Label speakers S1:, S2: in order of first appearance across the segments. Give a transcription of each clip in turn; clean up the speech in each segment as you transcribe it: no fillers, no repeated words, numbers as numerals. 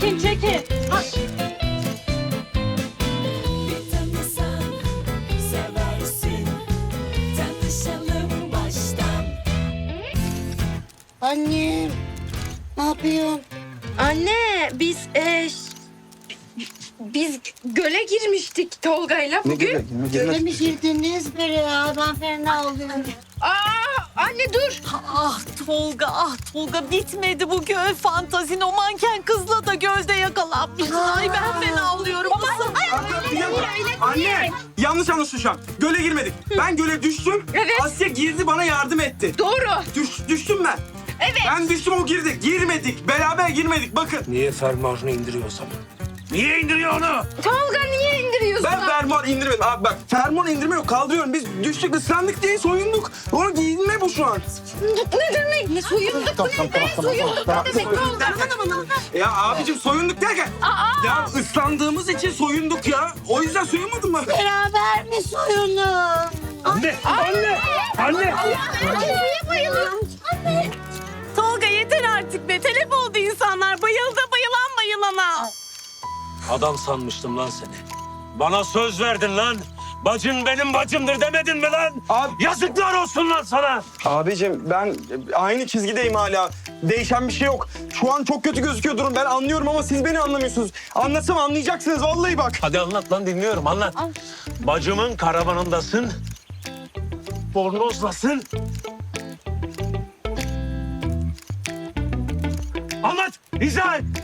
S1: Çekin çekin.
S2: Bir tanısan seversin. Tanışalım baştan.
S3: Annem, ne yapıyorsun?
S1: Anne biz göle girmiştik Tolga'yla bugün.
S3: Göle mi girdiniz böyle ya? Ben fena oluyorum.
S1: Anne dur.
S4: Ah Tolga bitmedi bu göl fantazin. O manken kızla da gölde yakalanmışsın. Ay ben fena oluyorum.
S5: Anne! Yanlış anlaşıldı şu an. Göle girmedik. Ben göle düştüm.
S1: Evet.
S5: Asya girdi bana yardım etti.
S1: Doğru.
S5: Düştüm ben.
S1: Evet.
S5: Ben düştüm o girdi. Girmedik. Beraber girmedik. Bakın.
S6: Niye fermuarını indiriyor o zaman? Niye indiriyor onu?
S1: Tolga niye indiriyorsun?
S5: Ben fermuar indirmedim. Abi bak fermuar indirme yok. Kaldırıyorum. Biz düştük ıslandık diye soyunduk. Onu giyinme bu şu an.
S1: Ne demek? Ne soyunduk?
S3: Tamam.
S1: Soyunduk ne demek Tolga?
S5: Ya abicim soyunduk derken. Ya ıslandığımız için soyunduk ya. O yüzden soyunmadın mı?
S3: Beraber mi soyunun?
S6: Anne! Anne!
S1: Niye bayılıyorsun?
S4: Tolga yeter artık be. Telef oldu insanlar. Bayıldı bayılan bayılana.
S6: Adam sanmıştım lan seni. Bana söz verdin lan. Bacın benim bacımdır demedin mi lan?
S5: Abi-
S6: Yazıklar olsun lan sana.
S5: Abicim ben aynı çizgideyim hala. Değişen bir şey yok. Şu an çok kötü gözüküyor durum. Ben anlıyorum ama siz beni anlamıyorsunuz. Anlatsam anlayacaksınız vallahi bak.
S6: Hadi anlat lan dinliyorum anlat. Bacımın karavanındasın. Bornozlasın. Anlat, izah et.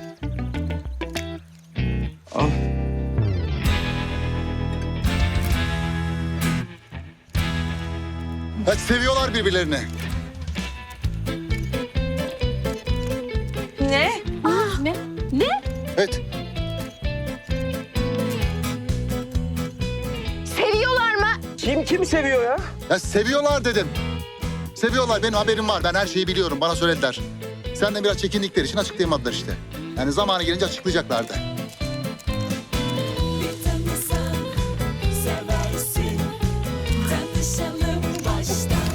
S7: Hadi seviyorlar birbirlerini.
S4: Ne?
S7: Evet.
S1: Seviyorlar mı?
S5: Kim seviyor ya?
S7: Ya seviyorlar dedim. Seviyorlar. Benim haberim var. Ben her şeyi biliyorum. Bana söylediler. Senden biraz çekindikleri için açıklayamadılar işte. Yani zamanı gelince açıklayacaklardı.
S2: Bir tanısan seversin. Tanışalım baştan.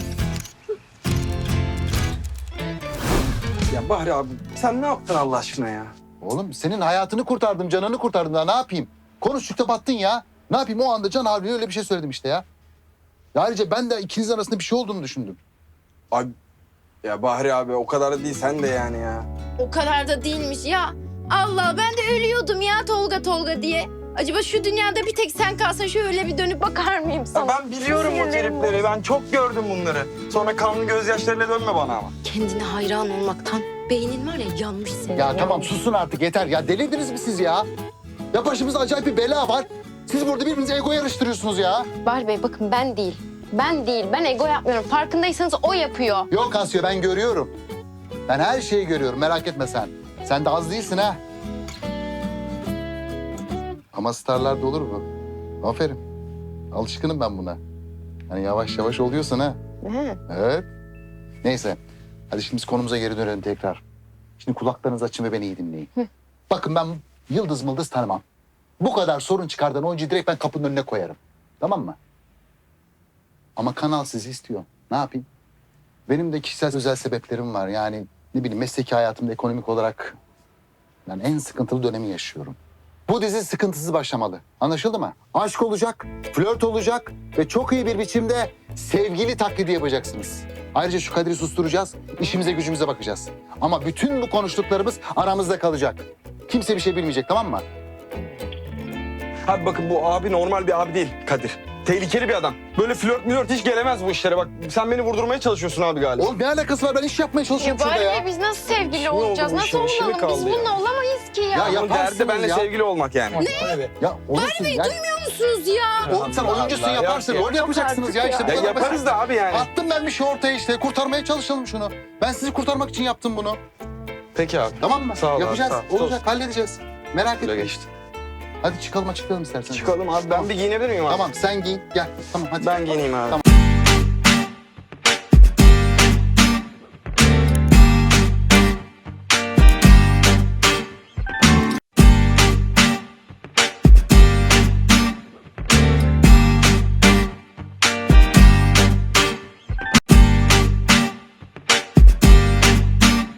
S5: Ya Bahri abi sen ne yaptın Allah aşkına ya?
S7: Oğlum senin hayatını kurtardım, canını kurtardım daha ne yapayım? Konuştukça battın ya. Ne yapayım o anda Can abiye öyle bir şey söyledim işte ya. Ya ayrıca ben de ikinizin arasında bir şey olduğunu düşündüm.
S5: Abi ya Bahri abi o kadar da değil sen de yani ya.
S8: O kadar da değilmiş ya. Allah ben de ölüyordum ya Tolga diye. Acaba şu dünyada bir tek sen kalsan şöyle bir dönüp bakar mıyım
S5: Ya
S8: sana?
S5: ben biliyorum o tripleri. Ben çok gördüm bunları. Sonra kanlı gözyaşlarıyla dönme bana ama.
S8: Kendine hayran olmaktan beynin var ya yanmış senin.
S7: Ya tamam susun artık yeter. Ya delirdiniz mi siz ya? Ya başımızda acayip bir bela var. Siz burada birbirinize ego yarıştırıyorsunuz ya.
S8: Bahri Bey bakın ben değil. Ben ego yapmıyorum. Farkındaysanız o yapıyor.
S7: Yok Asya ben görüyorum. Ben her şeyi görüyorum merak etme sen. Sen de az değilsin ha. Ama starlarda olur bu. Aferin. Alışkınım ben buna. Hani yavaş yavaş oluyorsun ha. Evet. Neyse. Hadi şimdi biz konumuza geri dönelim tekrar. Şimdi kulaklarınızı açın ve beni iyi dinleyin. Bakın ben yıldız mıldız tanımam. Bu kadar sorun çıkardan oyuncuyu direkt ben kapının önüne koyarım. Tamam mı? Ama kanal sizi istiyor. Ne yapayım? Benim de kişisel özel sebeplerim var. Yani ne bileyim mesleki hayatımda ekonomik olarak ben en sıkıntılı dönemi yaşıyorum. Bu dizi sıkıntısız başlamalı. Anlaşıldı mı? Aşk olacak, flört olacak ve çok iyi bir biçimde sevgili taklidi yapacaksınız. Ayrıca şu Kadir'i susturacağız, işimize gücümüze bakacağız. Ama bütün bu konuştuklarımız aramızda kalacak. Kimse bir şey bilmeyecek, tamam mı?
S5: Abi bakın bu abi normal bir abi değil Kadir. Tehlikeli bir adam. Böyle flört hiç gelemez bu işlere. Bak sen beni vurdurmaya çalışıyorsun abi galiba.
S7: Oğlum ne alakası var? Ben iş yapmaya
S8: Ya
S7: çalışıyorum şurada
S8: Bahri
S7: ya.
S8: Bey biz nasıl sevgili
S5: İşi mi oldu
S8: olacağız?
S5: bu
S8: Nasıl
S5: işin? İşi mi
S8: olalım? Biz
S5: kaldı ya?
S8: bununla olamayız ki ya.
S7: Ya
S5: Bunun
S7: yaparsınız
S5: derdi benimle
S7: ya.
S5: sevgili olmak yani.
S7: Ya olursun ya.
S8: Musunuz ya?
S7: Oğlum sen oyuncusun
S5: Allah,
S7: yaparsın.
S5: yok
S7: Rol yapacaksınız ya. İşte bu
S5: Ya
S7: kadar
S5: yaparız
S7: basit.
S5: da abi yani.
S7: Attım ben bir şey ortaya işte. Kurtarmaya çalışalım şunu. Ben sizi kurtarmak için yaptım bunu.
S5: Peki abi.
S7: Tamam mı?
S5: Sağ ol abi,
S7: Yapacağız.
S5: sağ ol.
S7: Olacak. Halledeceğiz. Merak
S5: Böyle
S7: etme.
S5: geçti.
S7: Hadi çıkalım açıklayalım istersen.
S5: Çıkalım abi. Ben bir giyinebilir miyim abi?
S7: Tamam sen giyin. Gel. Tamam hadi.
S5: Ben giyineyim abi.
S7: Tamam.